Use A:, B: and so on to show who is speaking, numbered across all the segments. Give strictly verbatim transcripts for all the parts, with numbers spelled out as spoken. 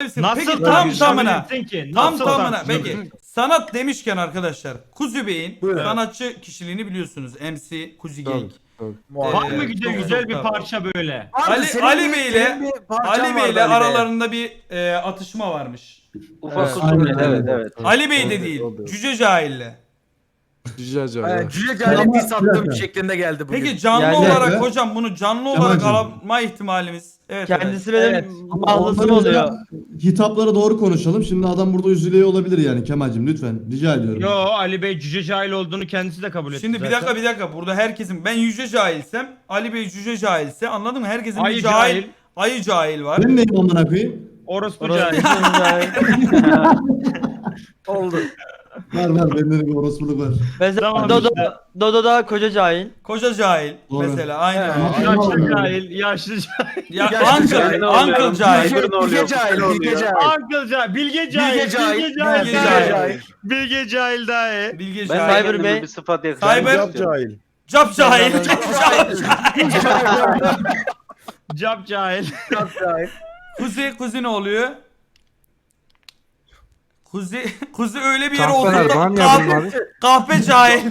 A: olabilirsin.
B: Nasıl
A: Peki tam
B: tahmin
A: tamına.
B: edebilirsin ki?
A: Tam
B: Nasıl
A: tamına.
B: tahmin
A: Peki
B: edebilirsin?
A: sanat demişken arkadaşlar Kuzi Bey'in
C: Buyurun.
A: sanatçı kişiliğini biliyorsunuz. M C Kuzi Gang.
B: Var
A: Ee,
B: mı güzel
A: çok
B: güzel
A: çok
B: bir
A: da-
B: parça böyle?
C: Vardı,
A: Ali
C: senin
A: Ali
C: bir-
A: Bey
C: senin
A: ile
C: bir parçan
A: Ali Bey
C: vardı
A: ile
C: Ali Bey.
A: aralarında bir e, atışma varmış.
D: Ufak
A: Evet.
D: kusur evet evet. evet.
A: Ali Bey de değil. Cüce Cahil'le.
E: Cüce
C: Aynen,
E: Cahil.
C: Cüce Cahil'e
F: Ama-
C: diss attığım
F: bir
C: şeklinde geldi bugün.
A: Peki canlı
G: Yani-
A: olarak
F: Evet.
A: hocam bunu canlı olarak
F: Kemal'cim.
A: alma ihtimalimiz. Evet.
G: Kendisi
C: Evet.
G: benim
F: Ama
G: mahlasım
F: onları
G: oluyor.
F: da- Hitaplara doğru konuşalım. Şimdi adam burada üzülüyor olabilir yani Kemal'cim lütfen. Rica ediyorum.
B: Yo Ali Bey cüce cahil olduğunu kendisi de kabul
A: Evet.
B: etti
A: Şimdi bir
B: zaten.
A: dakika bir dakika. Burada herkesin ben Yüce Cahilsem Ali Bey Cüce Cahilse anladın mı? Herkesin
B: Ayı
A: bir cahil,
B: cahil.
A: ayı cahil var.
F: Ben neyim amına koyayım?
B: Orospu
G: Orası
B: cahil.
C: Oldu.
F: Var var bende de bir orospuluk var.
G: Mesela
B: Tamam
G: Dodo,
B: işte.
G: Dodo da koca cahil.
A: Koca cahil
F: Doğru.
A: mesela aynen.
C: Evet.
B: Yaşlı cahil, yaşlı cahil.
A: Ya
C: Yaşlı cahil
A: uncle,
D: ne
A: uncle
D: oluyor?
A: cahil.
D: Bilge-
C: Bilge,
D: oluyor?
C: Bilge Cahil,
D: Ne
C: Bilge
D: oluyor?
C: Cahil.
B: Uncle cahil, bilge cahil,
C: Bilge Cahil.
B: bilge cahil,
A: Bilge
B: bilge
A: cahil.
B: cahil. Bilge cahil daha iyi.
A: Bilge
D: Ben
A: cahil.
G: Cyber
D: kendime
G: Bey.
D: bir sıfat yakıştırmak
A: Cyber-
D: istiyorum.
A: Cap cahil.
G: Ben-
A: Cap cahil.
B: Cap cahil.
C: Çok cahil.
A: Kuzi, kuzi ne oluyor? Kuzi, kuzi öyle bir yere
E: Kahpeler
A: oturdu.
E: var mı
A: Kahpe,
E: yardım abi?
A: kahpe cahil.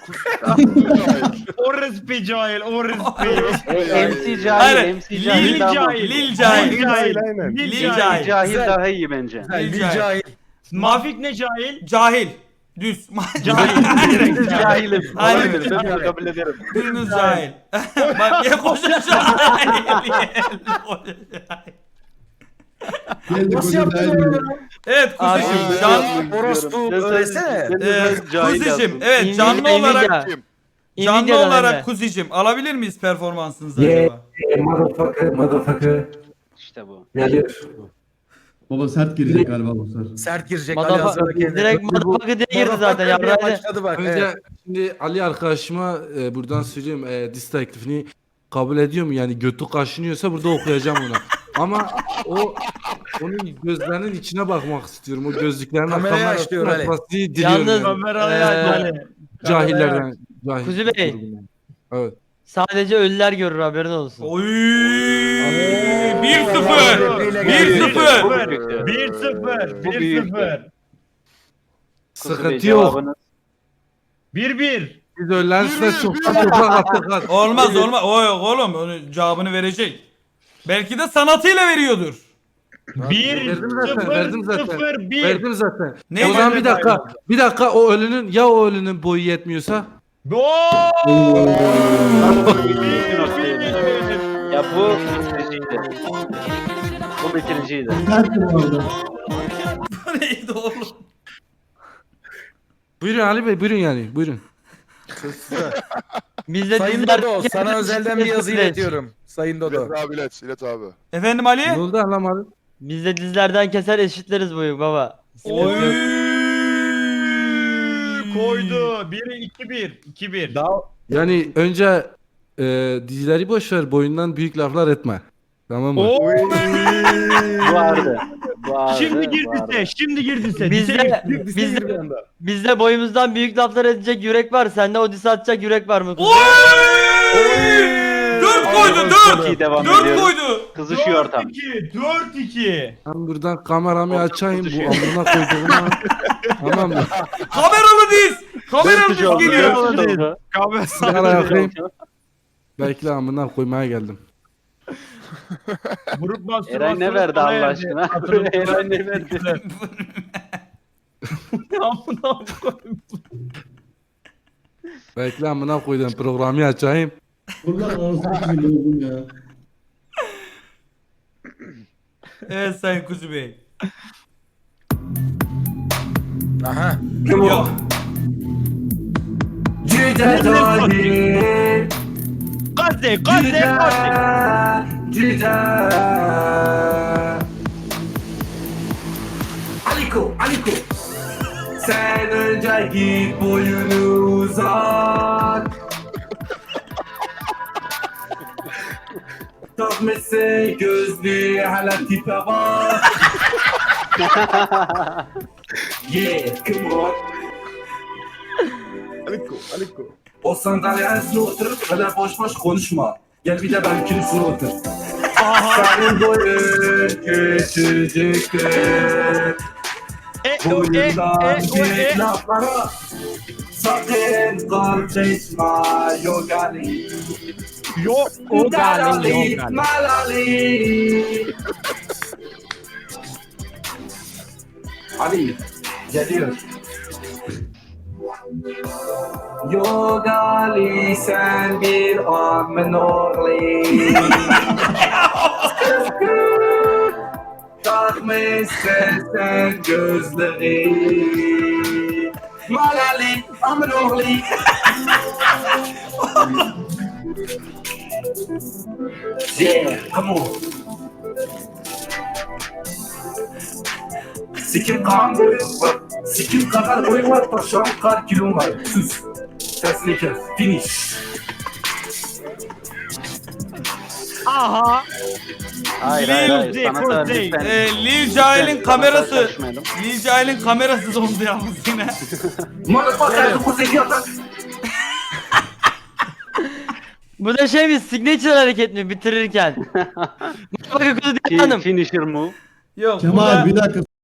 B: Orospu cahil, orospu.
D: M C cahil,
A: Hayır,
D: M C
A: Lil
D: cahil daha
A: cahil,
D: mantıklı.
A: Lil cahil.
B: Lil cahil.
A: Lil
B: Lil
A: cahil.
B: cahil.
D: Cahil
C: Güzel.
D: daha iyi bence.
A: Lil
C: Bilge
A: cahil.
C: Cahil.
B: Mafik ne cahil?
A: Cahil. Düz.
B: Cahil.
D: Biz cahilim.
A: Aynen.
D: Olabilir, ben bunu kabul ederim.
A: Biriniz cahil. Bak ya koca cahil. Koca cahil.
F: Geldi
C: Nasıl
F: koca
C: yaptın
F: cahil.
C: onu?
A: Evet
G: Abi,
A: kuzicim.
D: Ben
A: Can,
D: yazmak
C: orospu
D: istiyorum. Ben
C: öylesene.
D: sadece- ben
A: e,
D: sadece cahil
A: kuzicim.
D: yazdım.
A: Evet canlı
G: Nvidia,
A: olarak
G: Nvidia.
A: canlı
G: Nvidia'dan
A: olarak
G: Emre.
A: kuzicim alabilir miyiz performansınızı
H: Yeah.
A: acaba?
H: Motherfucker, motherfucker.
D: İşte bu.
H: Gelir.
F: Baba sert girecek galiba bu sefer.
C: Sert girecek Ali
G: Madafa,
C: Hasan'a kendine.
G: direkt motherfucker diye girdi zaten
C: Motherfucker diye
G: yarraydı.
C: başladı bak.
E: Önce
C: Evet.
E: şimdi Ali arkadaşıma e, buradan söyleyeyim e, diss teklifini kabul ediyor mu? Yani götü kaşınıyorsa burada okuyacağım ona. Ama o onun gözlerinin içine bakmak istiyorum. O gözlüklerin
C: Kamerayı
E: kamera
C: aç diyor Ali.
E: açmasını diliyorum.
G: Yalnız-
E: yani.
B: Kamerayı
G: Ee,
B: aç Ali.
E: Cahillerden. Cahil.
G: Kuzi Bey.
E: Evet.
G: Sadece ölüler görür haberin olsun.
A: Oy! bir sıfır.
C: Repliğiyle
A: bir
C: geldi.
A: sıfır.
D: Bu büyük ya.
B: bir sıfır.
D: Bu
B: bir
D: büyük.
B: sıfır.
D: Kuzu Bey
E: Sıkıntı yok.
D: cevabınız-
B: bir bir.
E: Biz öğlen size çoktan toprak attık. hadi.
A: Olmaz olmaz. O yok oğlum. Onun cevabını verecek. Belki de sanatıyla veriyordur.
B: bir
E: Verdim zaten,
B: sıfır
E: verdim zaten.
B: sıfır bir.
E: Verdim zaten.
A: Ne
E: o zaman
A: verdim?
E: bir dakika. Bir dakika o ölünün ya o ölünün boyu yetmiyorsa?
B: Oo!
D: Ya bu bitiriciydi. Bu bitiriciydi.
F: Sert mi orada?
A: Bu neydi oğlum?
E: Buyurun Ali Bey buyurun yani buyurun.
G: Bizde
C: Sayın
G: diziler-
C: Dodo, sana özelden bir yazı
G: Süreç.
C: iletiyorum. Sayın Dodo.
I: İlet abi ilet, ilet abi.
A: Efendim Ali?
E: Ne oldu anlamadım.
G: Bizde dizilerden keser eşitleriz bu baba. Sıkıntı
A: Oy!
G: yok.
B: Koydu. biri iki bir. iki bir.
E: Yani önce e, dizileri boş ver boyundan büyük laflar etme. Tamam mı?
B: Oo!
D: Vardı. Vardı.
B: Şimdi girdi
D: vardı.
B: se. Şimdi girdi se.
G: Bizde, bizde, bizde boyumuzdan büyük laflar edecek yürek var. Sende o disi atacak yürek var mı?
A: Oy! Dört koydu
D: Çok iyi
A: dört.
D: devam
A: Dört
D: ediyoruz.
A: koydu.
D: Kızışıyor ortam.
B: dört iki. dört iki.
E: Ben buradan kameramı açayım bu
D: tutuşuyor.
E: amına koyduğuma. Tamam mı?
A: Kameralı diz. Kameralı diz
D: Dörtücü oldu,
A: geliyor.
D: dörtücü oldu.
E: Sigara yakayım. Bekle amına koymaya geldim.
B: Grup mastürbasyonu
D: Eray ne verdi
B: sona
D: Allah
B: erdi.
D: aşkına?
B: Hatırlatın.
D: Eray ne verdi?
B: Amına koyayım.
E: Bekle amına koydum programı açayım.
F: Bunlar arasında bir oldum ya.
A: Evet Sayın Kuzu Bey.
C: Aha.
A: Yok.
H: Cüce cahil.
B: Gazze, Gazze, Gazze.
H: Cüce. Aliko, Aliko. Sen önce git boyunu uzat. Takmışsın gözlüğü hala tipe bak. Yeah, come on.
C: Aliko, Aliko.
H: O sandalyesine oturup öyle boş boş konuşma. Gel bir de benimkini sur otur. Senin boyun küçücüktür.
B: E, o, e,
H: Boyundan
B: e, o, e.
H: büyük laflara sakın karışma yok Ali.
B: Yok o gali yok gali.
H: Malali. Ali geliyor. Yok Ali sen bir amın oğlu. Takmışsın sen gözleri. Malali amın oğlu. Yeah, come on. Sikim kan boyun var. Sikim kadar boyun var. Taşan kar kilon var. Sus. Sesini kes. Finish.
B: Aha.
D: Hayır hayır hayır.
B: Lil
D: Sana da
B: Dick,
D: lütfen.
A: Ee, Lil Cahil'in
D: Lütfen,
A: kamerası.
D: sana karışmayalım.
A: Lil Cahil'in kamerası dondu yalnız yine.
H: Motherfucker, bu zeki adam.
G: Bu da şey mi? Signature hareket mi bitirirken? Bakın kuzu diye
D: Fi-
G: hanım.
D: Finisher move.
A: Yok
F: Kemal
A: burada
F: bir dakika